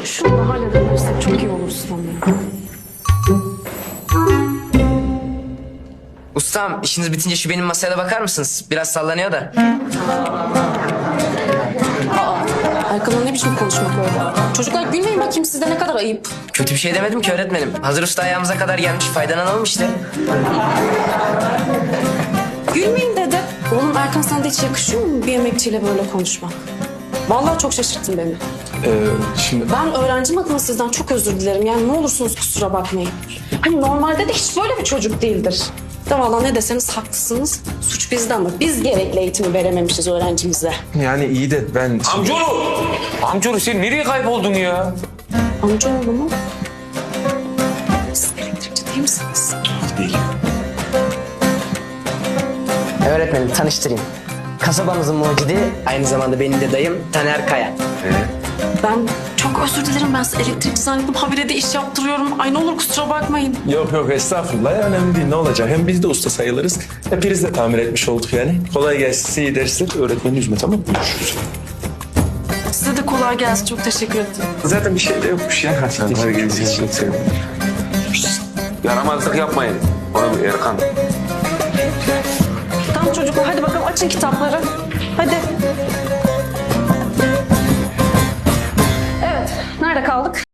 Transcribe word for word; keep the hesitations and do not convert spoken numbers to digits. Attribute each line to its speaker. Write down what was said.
Speaker 1: Şunu da halledebilirsek çok iyi olur ustam ya.
Speaker 2: Ustam, işiniz bitince şu benim masaya da bakar mısınız? Biraz sallanıyor da.
Speaker 1: Erkan'la ne biçim konuşmak öyle? Çocuklar gülmeyin bakayım, sizde ne kadar ayıp.
Speaker 2: Kötü bir şey demedim ki öğretmenim. Hazır usta ayağımıza kadar gelmiş, faydalanalım işte.
Speaker 1: Gülmeyin dedi. Oğlum Erkan, sana da hiç yakışıyor mu bir emekçiyle böyle konuşmak? Vallahi çok şaşırttın beni.
Speaker 3: Ee, şimdi
Speaker 1: Ben öğrencim adına sizden çok özür dilerim. Yani ne olursunuz kusura bakmayın. Hani normalde de hiç böyle bir çocuk değildir. De vallahi ne deseniz haklısınız. Suç bizde ama biz gerekli eğitimi verememişiz öğrencimize.
Speaker 3: yani iyi de ben...
Speaker 4: Amcaoğlu! Amcaoğlu sen nereye kayboldun ya?
Speaker 1: Amcaoğlu mu? Siz elektrikçi değil misiniz?
Speaker 3: Değil.
Speaker 2: Öğretmenim, tanıştırayım. Kasabamızın mucidi, aynı zamanda benim de dayım Taner Kaya.
Speaker 1: Ben çok özür dilerim. Ben size elektrikçi zannettim. Habire de iş yaptırıyorum. Ay ne olur kusura bakmayın.
Speaker 3: Yok yok estağfurullah ya, önemli değil, ne olacak. Hem biz de usta sayılırız. Hepiniz de tamir etmiş olduk yani. Kolay gelsin, size iyi dersler. Öğretmeni üzme, tamam mı? Görüşürüz.
Speaker 1: Size de kolay gelsin. Çok teşekkür ederim.
Speaker 3: Zaten bir şey de yokmuş ya. Hadi, hadi geleceğiz. Çok sevindim.
Speaker 4: Yaramazlık yapmayın. Onu bir Erkan.
Speaker 1: Tamam çocuklar, hadi bakalım açın kitapları.